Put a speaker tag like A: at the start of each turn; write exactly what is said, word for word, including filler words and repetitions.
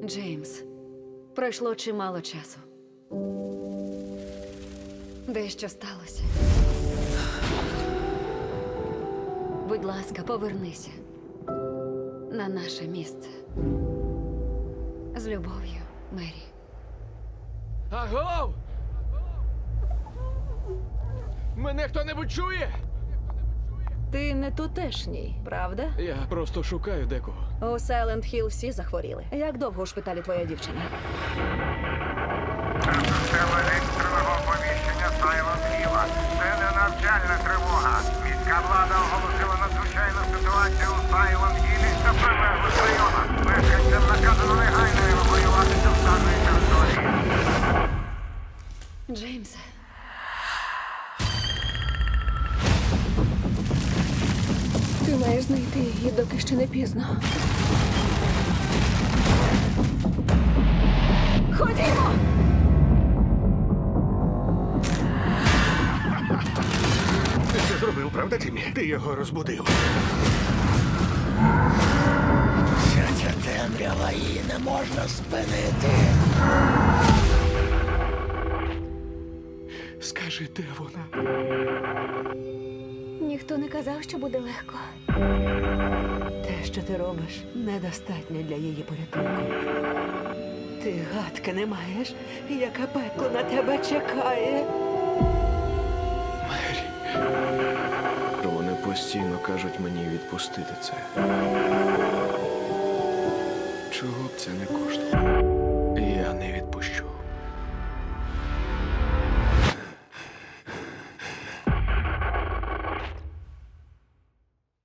A: Джеймс, пройшло чимало часу. Дещо сталося. Будь ласка, повернися на наше місце. З любов'ю, Мері.
B: Агов! Мене хто-небудь чує?
C: Ти не тутешній, правда?
B: Я просто шукаю декого.
C: У Сайленд Хілл всі захворіли. Як довго у шпиталі твоя дівчина?
D: Це система екстреного оповіщення Сайлент Хілла. Це не навчальна тривога. Міська влада оголосила надзвичайну ситуацію у Сайлент Хіллі та прилеглих районах. Мешканцям наказано негайно евакуюватися з даної території.
A: Джеймсе.
C: Ти маєш знайти її, доки ще не пізно. Ходімо!
E: Ти це зробив, правда, Джиммі? Ти його розбудив.
F: Вся ця темрява, її не можна спинити.
E: Скажи, де вона?
C: Ніхто не казав, що буде легко.
G: Те, що ти робиш, недостатньо для її порятунку. Ти гадки не маєш, яке пекло на тебе чекає.
B: Мері. Вони постійно кажуть мені відпустити це. Чого б це не коштувало?